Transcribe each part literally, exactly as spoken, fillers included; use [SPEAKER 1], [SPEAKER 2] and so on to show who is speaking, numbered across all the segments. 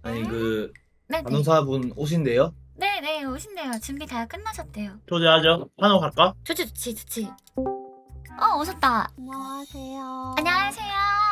[SPEAKER 1] 아니 그
[SPEAKER 2] 네네.
[SPEAKER 1] 간호사분 오신대요?
[SPEAKER 2] 네네 오신대요. 준비 다 끝나셨대요.
[SPEAKER 1] 초대하죠. 한옥 갈까?
[SPEAKER 2] 좋지 좋지 좋지. 어 오셨다.
[SPEAKER 3] 안녕하세요.
[SPEAKER 2] 안녕하세요.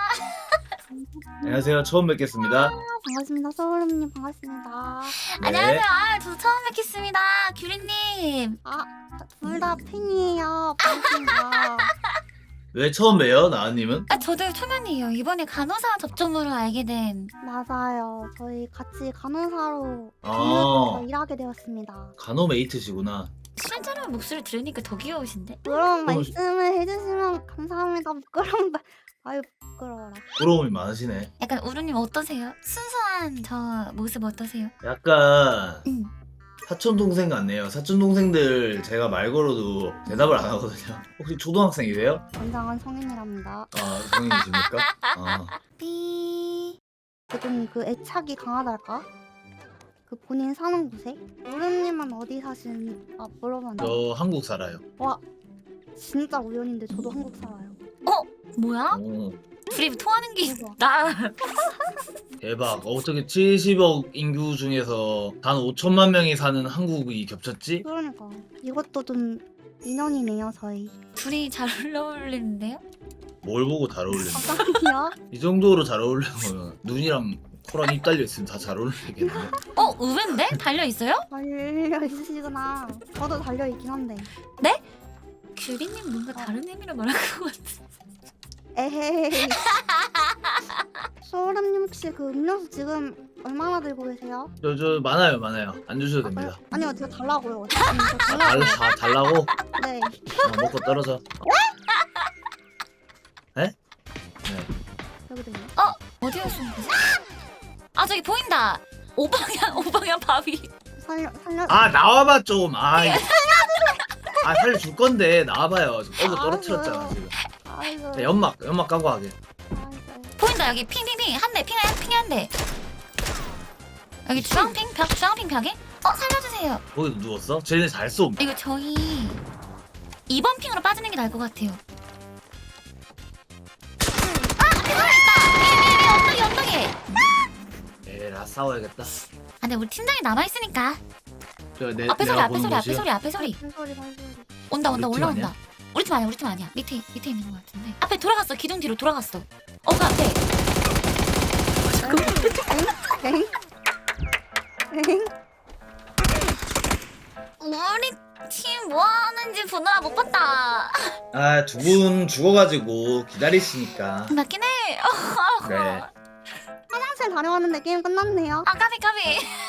[SPEAKER 1] 안녕하세요. 처음 뵙겠습니다.
[SPEAKER 3] 반갑습니다. 소울음님 반갑습니다.
[SPEAKER 1] 네.
[SPEAKER 2] 안녕하세요. 아, 저 처음 뵙겠습니다. 규리님.
[SPEAKER 3] 아, 둘 다 팬이에요. 반갑습니다.
[SPEAKER 1] 왜 처음 봬요, 나은님은?
[SPEAKER 2] 아 저도 초면이에요. 이번에 간호사 접종으로 알게 된.
[SPEAKER 3] 맞아요. 저희 같이 간호사로
[SPEAKER 1] 아.
[SPEAKER 3] 간호사로 일하게 되었습니다.
[SPEAKER 1] 간호메이트시구나.
[SPEAKER 2] 실제로 목소리 들으니까 더 귀여우신데?
[SPEAKER 3] 그런
[SPEAKER 1] 어,
[SPEAKER 3] 말씀을 해주시면 감사합니다. 부끄러운다. 아유 부끄러워라.
[SPEAKER 1] 부러움이 많으시네.
[SPEAKER 2] 약간 우루님 어떠세요? 순수한 저 모습 어떠세요?
[SPEAKER 1] 약간
[SPEAKER 2] 응.
[SPEAKER 1] 사촌 동생 같네요. 사촌 동생들 제가 말 걸어도 대답을 안 하거든요. 혹시 초등학생이세요?
[SPEAKER 3] 건장한 성인이랍니다.
[SPEAKER 1] 아, 성인이십니까? 아,
[SPEAKER 2] 삐.
[SPEAKER 3] 좀 그 애착이 강하달까? 그 본인 사는 곳에? 우름님은 어디 사시는? 아 물어봤는데.
[SPEAKER 1] 저 한국 살아요.
[SPEAKER 3] 와 진짜 우연인데 저도 한국 살아요.
[SPEAKER 2] 뭐야?
[SPEAKER 1] 오,
[SPEAKER 2] 둘이 통하는 게
[SPEAKER 3] 대박.
[SPEAKER 2] 나.
[SPEAKER 1] 대박. 어떻게 칠십억 인구 중에서 단 오천만 명이 사는 한국이 겹쳤지?
[SPEAKER 3] 그러니까 이것도 좀 인연이네요 저희.
[SPEAKER 2] 둘이 잘 어울리는데요?
[SPEAKER 1] 뭘 보고 잘 어울리는 거야?
[SPEAKER 3] 깜짝이야.
[SPEAKER 1] 이 정도로 잘 어울리면 눈이랑 코랑 입 달려 있으면 다 잘 어울리겠네.
[SPEAKER 2] 어 의외인데? 달려 있어요?
[SPEAKER 3] 달려 있으시구나. 저도 달려 있긴 한데.
[SPEAKER 2] 규리님 뭔가 다른 의미로 말한 것 같은.
[SPEAKER 3] 에헤이. 소름님 혹시 그 음료수 지금 얼마나 들고 계세요?
[SPEAKER 1] 저, 저 많아요, 많아요. 안 주셔도 됩니다.
[SPEAKER 3] 아니요 제가 달라고요. 지금 저
[SPEAKER 1] 아,
[SPEAKER 3] 달라고.
[SPEAKER 1] 달, 다 달라고?
[SPEAKER 3] 네.
[SPEAKER 1] 아, 먹고 떨어져. 네? 네.
[SPEAKER 3] 여기도 있네.
[SPEAKER 2] 어디에 쏜 거지? 아 저기 보인다. 오방향 오방향 바위.
[SPEAKER 3] 살려 살려.
[SPEAKER 1] 아, 나와봐 좀. 아, 이거. 아, 살려줄 건데 나와봐요. 지금 어그 떨어뜨렸잖아 지금.
[SPEAKER 3] 아이고.
[SPEAKER 1] 네, 연막, 연막 까고 하게.
[SPEAKER 3] 아이고.
[SPEAKER 2] 보인다 여기 핑핑핑 한 대, 핑한 핑 한 대. 여기 주황핑 벽 주황핑 벽에? 어 살려주세요.
[SPEAKER 1] 거기도 누웠어? 쟤네 잘 쏨.
[SPEAKER 2] 이거 저희 이 번 핑으로 빠지는 게 나을 것 같아요. 아 앞에 사람 있다. 위에 위에 위에 언덕에 언덕에.
[SPEAKER 1] 에라 싸워야겠다.
[SPEAKER 2] 아 근데 우리 팀장이 남아 있으니까.
[SPEAKER 1] 저 내,
[SPEAKER 2] 앞에 소리
[SPEAKER 1] 내가
[SPEAKER 2] 앞에
[SPEAKER 1] 보는
[SPEAKER 2] 소리 앞에
[SPEAKER 1] 곳이요?
[SPEAKER 2] 소리 앞에 소리.
[SPEAKER 3] 발소리 발소리.
[SPEAKER 2] 온다 온다
[SPEAKER 1] 우리 팀
[SPEAKER 2] 올라온다.
[SPEAKER 1] 아니야?
[SPEAKER 2] 우리 팀 아니야 우리 팀 아니야. 밑에 밑에 있는 것 같은데. 앞에 돌아갔어 기둥 뒤로 돌아갔어. 어 그 앞에.
[SPEAKER 3] 엥? 엥?
[SPEAKER 2] 우리 팀 뭐 하는지 보느라 못 봤다.
[SPEAKER 1] 아, 두 분 죽어가지고 기다리시니까.
[SPEAKER 2] 맞긴 해.
[SPEAKER 1] 네.
[SPEAKER 3] 화장실 다녀왔는데 게임 끝났네요.
[SPEAKER 2] 아 까비 까비.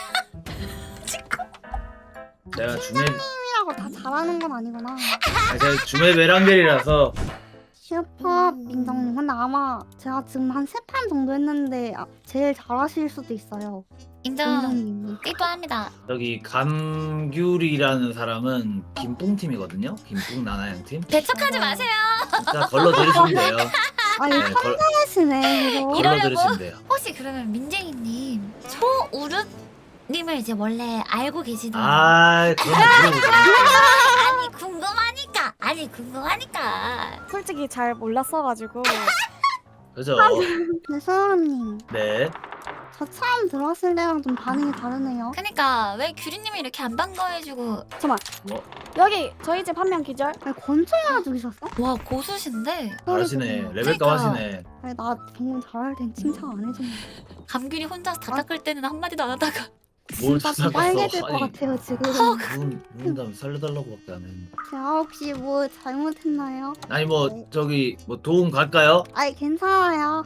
[SPEAKER 1] 내가 주메,
[SPEAKER 3] 팀이라고 다 잘하는 건 아니구나.
[SPEAKER 1] 아, 제가 주메 베란겔이라서.
[SPEAKER 3] 슈퍼 민정님 근데 아마 제가 지금 한 세 판 정도 했는데 아, 제일 잘하실 수도 있어요.
[SPEAKER 2] 인정.
[SPEAKER 3] 민정님이.
[SPEAKER 2] 삐뽀합니다.
[SPEAKER 1] 여기 감귤이라는 사람은 김뿡팀이거든요. 김뿡 나나양 팀.
[SPEAKER 2] 배척하지 마세요.
[SPEAKER 1] 진짜 걸러 들으시면 돼요.
[SPEAKER 3] 아
[SPEAKER 1] 네,
[SPEAKER 3] 이거
[SPEAKER 1] 걸,
[SPEAKER 3] 천재시네 이거.
[SPEAKER 2] 이런-
[SPEAKER 1] 걸러
[SPEAKER 2] 이러려고?
[SPEAKER 1] 들으시면 돼요.
[SPEAKER 2] 혹시 그러면 민재이님 초우릇님을 이제 원래 알고 계시던?
[SPEAKER 1] 아, 그런 거 물어보세요.
[SPEAKER 2] 아니 궁금하니까. 아니 궁금하니까.
[SPEAKER 4] 솔직히 잘 몰랐어가지고
[SPEAKER 1] 그죠?
[SPEAKER 3] 근데 소름님
[SPEAKER 1] 네.
[SPEAKER 3] 저 처음 들어왔을 때랑 좀 반응이 다르네요.
[SPEAKER 2] 그니까 왜 규리님이 이렇게 안 반가워해주고.
[SPEAKER 4] 잠깐만
[SPEAKER 1] 뭐?
[SPEAKER 4] 여기 저희 집 한 명 기절.
[SPEAKER 3] 아니 권총이나 죽이셨어?
[SPEAKER 2] 와 고수신데
[SPEAKER 1] 잘하시네. 레벨까
[SPEAKER 2] 그러니까.
[SPEAKER 1] 하시네.
[SPEAKER 3] 아니 나 방금 잘할 땐 칭찬 안 해줬네.
[SPEAKER 2] 감귤이 혼자서 다 닦을 때는 한마디도 안 하다가.
[SPEAKER 1] 뭘
[SPEAKER 3] 진짜 좀
[SPEAKER 1] 찾아봤어.
[SPEAKER 3] 빨개질 것
[SPEAKER 1] 아니.
[SPEAKER 3] 같아요 지금.
[SPEAKER 1] 누군, 누군 다음에 살려달라고밖에 안 했는데.
[SPEAKER 3] 제가 혹시 뭐 잘못했나요?
[SPEAKER 1] 아니 뭐 저기 뭐 도움 갈까요?
[SPEAKER 3] 아니 괜찮아요.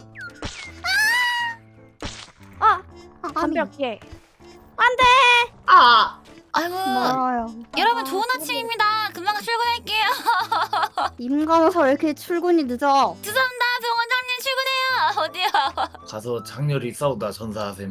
[SPEAKER 4] 아
[SPEAKER 3] 아,
[SPEAKER 4] 담벼 뒤에.
[SPEAKER 2] 아 아이고
[SPEAKER 3] 멀어요.
[SPEAKER 2] 여러분 좋은 아침입니다. 금방 출근할게요.
[SPEAKER 3] 임간호사 왜 이렇게 출근이 늦어?
[SPEAKER 2] 죄송합니다. 병원장님 출근해요. 어디요?
[SPEAKER 1] 가서 장렬히 싸우다 전사하셈.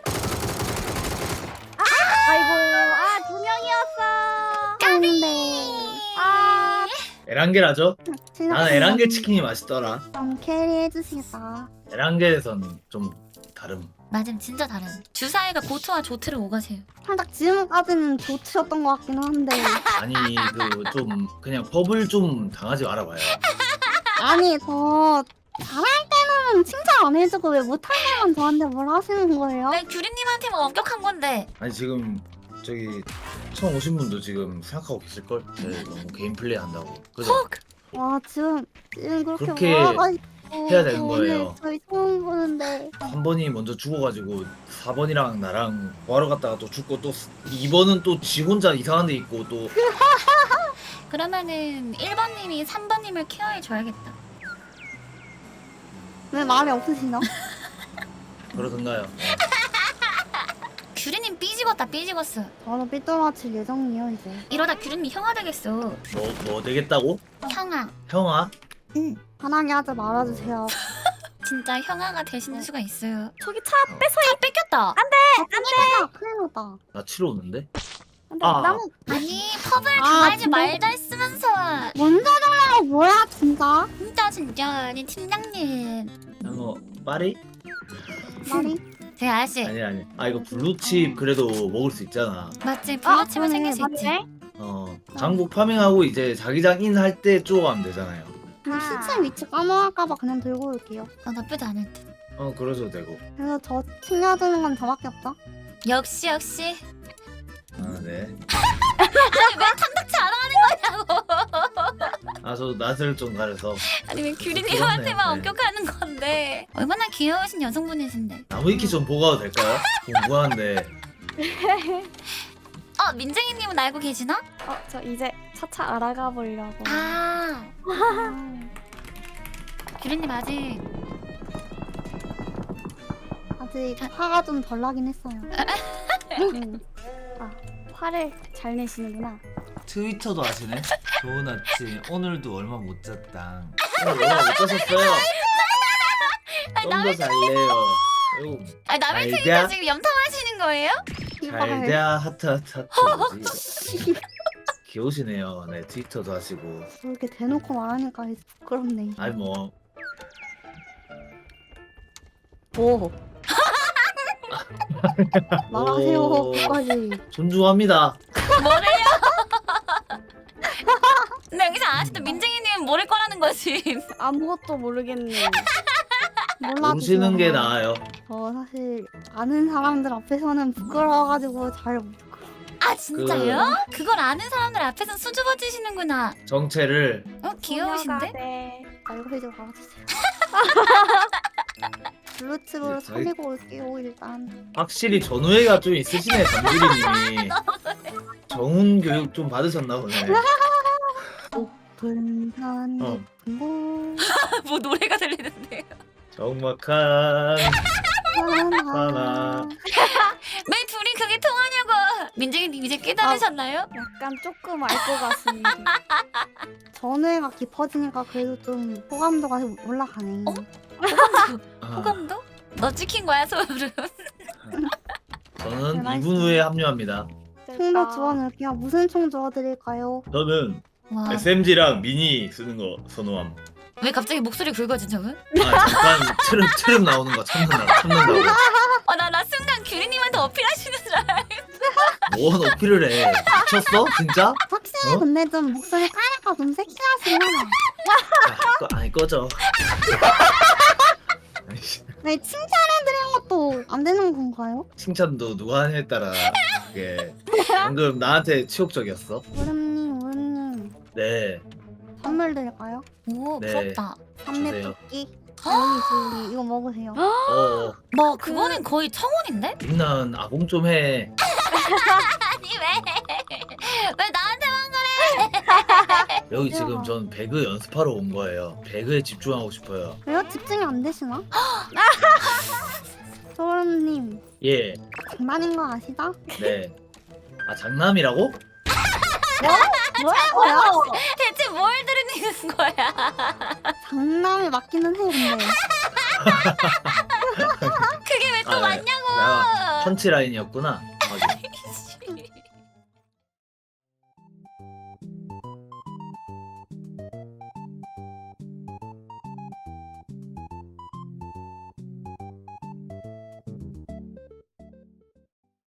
[SPEAKER 4] 아이고 아 두 명이었어.
[SPEAKER 3] 까비.
[SPEAKER 4] 아
[SPEAKER 1] 에란겔 하죠? 나는 에란겔 치킨이 맛있더라.
[SPEAKER 3] 좀 캐리해 주시겠다.
[SPEAKER 1] 에란겔에선 좀 다름.
[SPEAKER 2] 맞음 진짜 다른. 주사위가 고트와 조트를 오가세요.
[SPEAKER 3] 살짝 지금까지는 좋으셨던 것 같기는 한데.
[SPEAKER 1] 아니 그 좀 그냥 법을 좀 당하지 말아봐요.
[SPEAKER 3] 아니 저 잘할 때는 큐리님은 칭찬 안 해주고 왜 못한 말만 저한테 뭘 하시는 거예요?
[SPEAKER 2] 왜 규리님한테만 엄격한 건데?
[SPEAKER 1] 아니 지금 저기 처음 오신 분도 지금 생각하고 계실걸? 네, 너무 게임 플레이 한다고. 그죠?
[SPEAKER 2] 헉!
[SPEAKER 3] 와 지금 지금 그렇게
[SPEAKER 1] 그렇게
[SPEAKER 3] 몰아가지고
[SPEAKER 1] 해야 되는
[SPEAKER 3] 오늘
[SPEAKER 1] 거예요.
[SPEAKER 3] 저희 처음 보는데
[SPEAKER 1] 한 번이 먼저 죽어가지고 사 번이랑 나랑 구하러 갔다가 또 죽고 또 이 번은 또 지 혼자 이상한 데 있고 또
[SPEAKER 2] 그러면은 일 번님이 삼 번님을 케어해 줘야겠다.
[SPEAKER 3] 왜 말이 없으시나?
[SPEAKER 1] 그러던가요. 네.
[SPEAKER 2] 규리님 삐지겠다 삐지겠어.
[SPEAKER 3] 저도 삐뚤어칠 예정이에요 이제.
[SPEAKER 2] 이러다 규리님 형아 되겠어.
[SPEAKER 1] 뭐, 뭐 되겠다고?
[SPEAKER 2] 형아.
[SPEAKER 1] 형아?
[SPEAKER 2] 응.
[SPEAKER 3] 편하게 하지 말아주세요.
[SPEAKER 2] 진짜 형아가 되시는 수가 있어요.
[SPEAKER 4] 저기 차
[SPEAKER 2] 차 뺏겼다.
[SPEAKER 3] 아, 큰일 났다. 큰일 났다.
[SPEAKER 1] 나 치러 오는데?
[SPEAKER 4] 근데
[SPEAKER 1] 아.
[SPEAKER 4] 나무
[SPEAKER 2] 아니 펍을
[SPEAKER 3] 아,
[SPEAKER 2] 당하지
[SPEAKER 3] 진짜?
[SPEAKER 2] 말자 했으면서.
[SPEAKER 3] 먼저 달라고 뭐야 진짜?
[SPEAKER 2] 진짜 진짜 아니 팀장님.
[SPEAKER 1] 형어 파리?
[SPEAKER 3] 말이?
[SPEAKER 2] 제 아저씨
[SPEAKER 1] 아니 아니. 아 이거 블루칩 그래도 먹을 수 있잖아.
[SPEAKER 2] 맞지?
[SPEAKER 3] 아,
[SPEAKER 2] 블루칩은 생길 수 있지.
[SPEAKER 4] 맞네.
[SPEAKER 1] 어 장국 파밍하고 이제 자기장 인 할 때 쪼가면 되잖아요.
[SPEAKER 3] 그럼 시체 위치 까먹을까봐 그냥 들고 올게요.
[SPEAKER 2] 어, 나쁘지 않을 듯.
[SPEAKER 1] 어 그러셔도 되고.
[SPEAKER 3] 그래서 저 챙겨주는 건 저밖에 없죠?
[SPEAKER 2] 역시 역시.
[SPEAKER 1] 아 네.
[SPEAKER 2] 아니 왜 탐탁치 않아 하는 거냐고.
[SPEAKER 1] 아 저 낯을 좀 가려서
[SPEAKER 2] 아니 왜
[SPEAKER 1] 그렇네.
[SPEAKER 2] 규리님한테만
[SPEAKER 1] 네.
[SPEAKER 2] 엄격하는 건데. 얼마나 귀여우신 여성분이신데.
[SPEAKER 1] 나무 위키 좀 보고 가도 될까요? 궁금한데.
[SPEAKER 2] 어 민정이님은 알고 계시나?
[SPEAKER 4] 어, 저 이제 차차 알아가 보려고.
[SPEAKER 2] 아
[SPEAKER 3] 아,
[SPEAKER 2] 규리님 아직
[SPEAKER 3] 아직 화가 좀 덜 나긴 했어요.
[SPEAKER 4] 음. 아, 화를 잘 내시는구나.
[SPEAKER 1] 트위터도 하시네? 좋은 아침 오늘도 얼마 못 잤다. 오늘 얼마 못 자셨어요? 좀 더 잘래요. 아이고
[SPEAKER 2] 아니 남의
[SPEAKER 1] 알자.
[SPEAKER 2] 트위터 지금 염탐하시는 거예요?
[SPEAKER 1] 잘자 하트 하트 하트 뭐지? 귀여우시네요. 네 트위터도 하시고.
[SPEAKER 3] 그렇게 대놓고 말하니까 부끄럽네.
[SPEAKER 1] 아니 뭐
[SPEAKER 3] 오. 말하세요.
[SPEAKER 1] 오.
[SPEAKER 3] 끝까지.
[SPEAKER 1] 존중합니다.
[SPEAKER 2] 뭐래요? 근데 여기서 아직도 민정이님은 모를 거라는 거지.
[SPEAKER 4] 아무것도 모르겠네.
[SPEAKER 3] 몰라주세요.
[SPEAKER 1] 모르시는 게 나아요.
[SPEAKER 3] 저 사실 아는 사람들 앞에서는 부끄러워가지고 잘 못.
[SPEAKER 2] 아 진짜요? 그... 걸 아는 사람들 앞에서 수줍어 주시는구나.
[SPEAKER 1] 정체를
[SPEAKER 2] 어 귀여우신데?
[SPEAKER 4] 네.
[SPEAKER 3] 알고 해줘 말아주세요. 블루칩으로
[SPEAKER 1] 네, 저희-
[SPEAKER 3] 살리고 올게요 일단.
[SPEAKER 1] 확실히 전우애가 좀 있으시네 정규리님이. 정훈 교육 좀 받으셨나 보네.
[SPEAKER 3] 분산
[SPEAKER 1] 어.
[SPEAKER 3] 예쁜 곳
[SPEAKER 2] 뭐 노래가 들리는데요?
[SPEAKER 1] 정막한
[SPEAKER 3] 하나.
[SPEAKER 2] 왜 둘이 그게 통하냐고. 민정이님 이제 깨달으셨나요?
[SPEAKER 4] 약간 조금 알 것 같습니다.
[SPEAKER 3] 전회가 깊어지니까 그래도 좀 호감도가 올라가네.
[SPEAKER 2] 어?
[SPEAKER 1] 아,
[SPEAKER 2] 호감도? 너 찍힌 거야 소름.
[SPEAKER 1] 저는 이 분 후에 합류합니다.
[SPEAKER 3] 총도 주워놓을게요. 무슨 총 주워드릴까요?
[SPEAKER 1] 저는
[SPEAKER 2] 와.
[SPEAKER 1] 에스엠지랑 미니 쓰는 거 선호함.
[SPEAKER 2] 왜 갑자기 목소리 굵어진 적은?
[SPEAKER 1] 아 잠깐 트름 트름 나오는 거 참는다 참는다고.
[SPEAKER 2] 어나 나 순간 규리님한테 어필하시는 줄 알아.
[SPEAKER 1] 뭔 어필을 해? 미쳤어 진짜?
[SPEAKER 3] 확실히
[SPEAKER 1] 어?
[SPEAKER 3] 근데 좀 목소리 까니까 좀 섹시하시네.
[SPEAKER 1] 아, 꺼, 아니 꺼져. 아이씨,
[SPEAKER 3] 네, 칭찬해드리는 것도 안 되는 건가요?
[SPEAKER 1] 칭찬도 누가 하냐에 따라 그게 방금 나한테 치욕적이었어.
[SPEAKER 3] 오름님, 오름님
[SPEAKER 1] 네.
[SPEAKER 3] 선물 드릴까요?
[SPEAKER 2] 오
[SPEAKER 1] 네.
[SPEAKER 2] 부럽다.
[SPEAKER 3] 삼렙
[SPEAKER 1] 주세요.
[SPEAKER 3] 토끼. 여기 저기 이거 먹으세요.
[SPEAKER 1] 어,
[SPEAKER 2] 뭐 그거는 거의 청혼인데?
[SPEAKER 1] 민나은 아봉 좀 해.
[SPEAKER 2] 아니 왜? 왜 나한테만 그래?
[SPEAKER 1] 여기 지금 전 배그 연습하러 온 거예요. 배그에 집중하고 싶어요.
[SPEAKER 3] 왜요? 집중이 안 되시나? 소름님
[SPEAKER 1] 예,
[SPEAKER 3] 장난인 거 아시죠?
[SPEAKER 1] 네. 아 장남이라고?
[SPEAKER 3] 뭐야?
[SPEAKER 2] 대체 뭘 들으는 거야?
[SPEAKER 3] 장난이 맞기는 해 근데.
[SPEAKER 2] 그게 왜 또
[SPEAKER 1] 아, 네.
[SPEAKER 2] 맞냐고?
[SPEAKER 1] 나 펀치라인이었구나.